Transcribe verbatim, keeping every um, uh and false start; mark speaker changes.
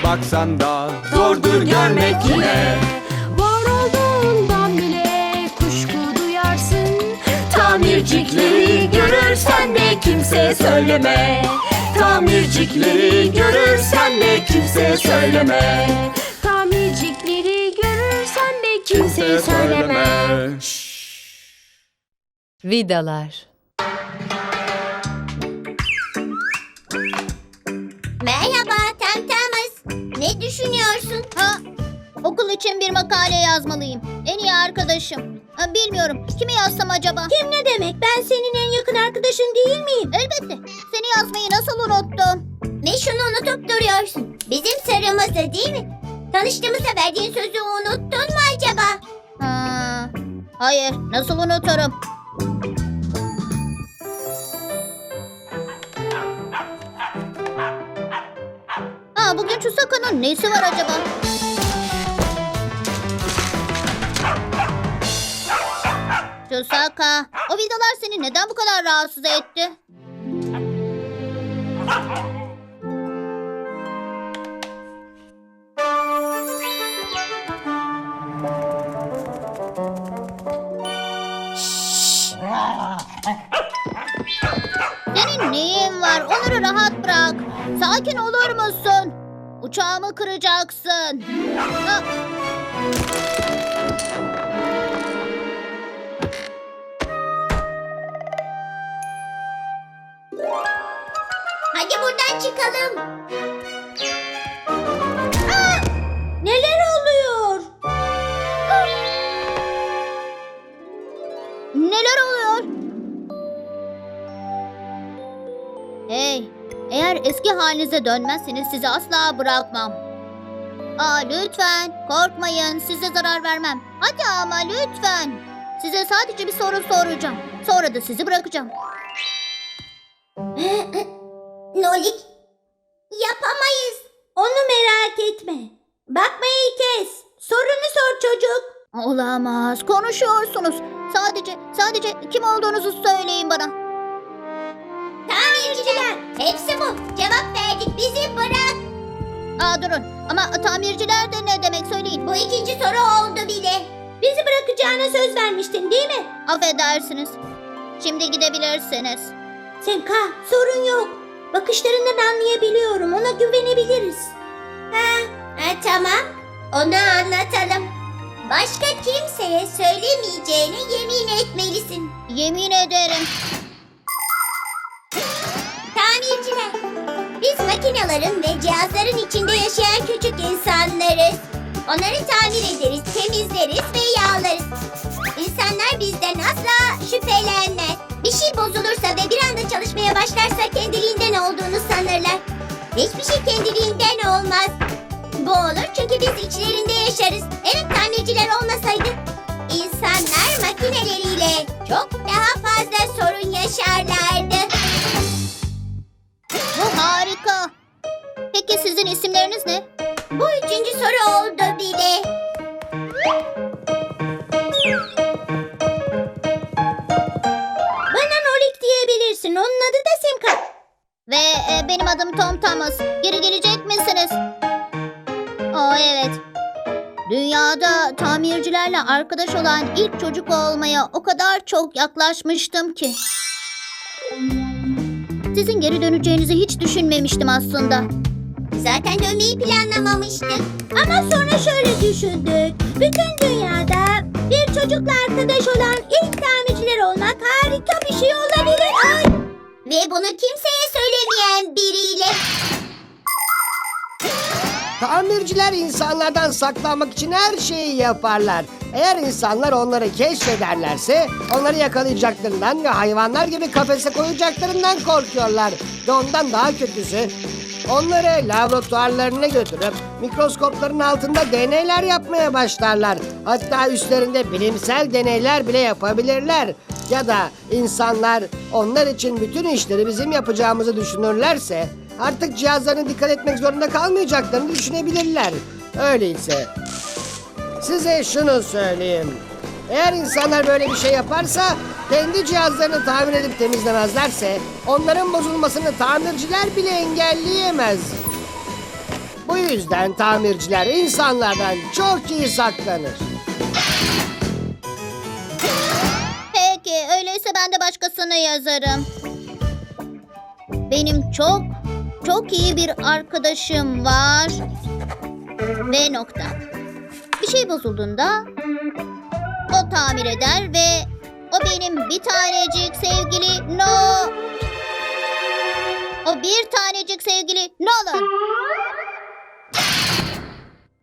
Speaker 1: baksan da zordur görmek yine.
Speaker 2: Var olduğundan bile kuşku duyarsın.
Speaker 1: Tamircikleri görürsen de kimseye söyleme. Tamircikleri görürsen de kimseye söyleme.
Speaker 2: Tamircikleri görürsen de kimseye söyleme.
Speaker 3: Vidalar.
Speaker 4: Merhaba Temtemiz. Ne düşünüyorsun? Ha, okul için bir makale yazmalıyım. En iyi arkadaşım. Ha, bilmiyorum. Kimi yazsam acaba? Kim ne demek? Ben senin en yakın arkadaşın değil miyim? Elbette. Seni yazmayı nasıl unuttum? Ne şunu unutup duruyorsun? Bizim sırrımızdı değil mi? Tanıştığımızda verdiğin sözü unuttun mu acaba? Ha, hayır. Nasıl unuturum? Aa, bugün Chusaka'nın nesi var acaba? Chusaka, o vidalar seni neden bu kadar rahatsız etti? Senin neyin var? Onları rahat bırak. Sakin olur musun? Uçağımı kıracaksın. Ha. Hadi buradan çıkalım. Aa! Neler oluyor? Aa! Neler oluyor? Hey, eğer eski halinize dönmezseniz sizi asla bırakmam. Aa, lütfen korkmayın, size zarar vermem. Hadi ama lütfen. Size sadece bir soru soracağım. Sonra da sizi bırakacağım. Nolik, yapamayız. Onu merak etme. Bakmayı kes. Sorunu sor çocuk. Olamaz, konuşuyorsunuz. Sadece, sadece kim olduğunuzu söyleyin bana. Tamirciler. Hepsi bu. Cevap verdik. Bizi bırak. Aa, durun. Ama tamirciler de ne demek söyleyin. Bu ikinci soru oldu bile. Bizi bırakacağına söz vermiştin değil mi? Affedersiniz. Şimdi gidebilirsiniz. Semka, sorun yok. Bakışlarından anlayabiliyorum. Ona güvenebiliriz. Ha, ha, tamam. Onu anlatalım. Başka kimseye söylemeyeceğine yemin etmelisin. Yemin ederim. Tamirciler. Biz makinelerin ve cihazların içinde yaşayan küçük insanlarız. Onları tamir ederiz, temizleriz ve yağlarız. İnsanlar bizden asla şüphelenmez. Bir şey bozulursa ve bir anda çalışmaya başlarsa kendiliğinden olduğunu sanırlar. Hiçbir şey kendiliğinden olmaz. Bu olur çünkü biz içlerinde yaşarız. Evet, tamirciler olmasaydı insanlar makineleriyle çok daha fazla sorun yaşarlardı. Bu harika. Peki sizin isimleriniz ne? Bu üçüncü soru oldu bile. Bana Nolik diyebilirsin. Onun adı da Simka. Ve e, benim adım Tom Thomas. Geri gelecek misiniz? Aa, evet. Dünyada tamircilerle arkadaş olan ilk çocuk olmaya o kadar çok yaklaşmıştım ki. Sizin geri döneceğinizi hiç düşünmemiştim aslında. Zaten dönmeyi planlamamıştık. Ama sonra şöyle düşündük. Bütün dünyada bir çocukla arkadaş olan ilk tamirciler olmak harika bir şey olabilir. Ay! Ve bunu kimseye söylemeyen biriyle.
Speaker 5: Tamirciler insanlardan saklanmak için her şeyi yaparlar. Eğer insanlar onları keşfederlerse onları yakalayacaklarından ve hayvanlar gibi kafese koyacaklarından korkuyorlar. Ve ondan daha kötüsü, onları laboratuvarlarına götürüp mikroskopların altında deneyler yapmaya başlarlar. Hatta üstlerinde bilimsel deneyler bile yapabilirler. Ya da insanlar onlar için bütün işleri bizim yapacağımızı düşünürlerse artık cihazlarına dikkat etmek zorunda kalmayacaklarını düşünebilirler. Öyleyse size şunu söyleyeyim. Eğer insanlar böyle bir şey yaparsa, kendi cihazlarını tamir edip temizlemezlerse onların bozulmasını tamirciler bile engelleyemez. Bu yüzden tamirciler insanlardan çok iyi saklanır.
Speaker 4: Peki, öyleyse ben de başkasını yazarım. Benim çok, çok iyi bir arkadaşım var. Ve nokta. Bir şey bozulduğunda o tamir eder ve o benim bir tanecik sevgili No... O bir tanecik sevgili Nolan.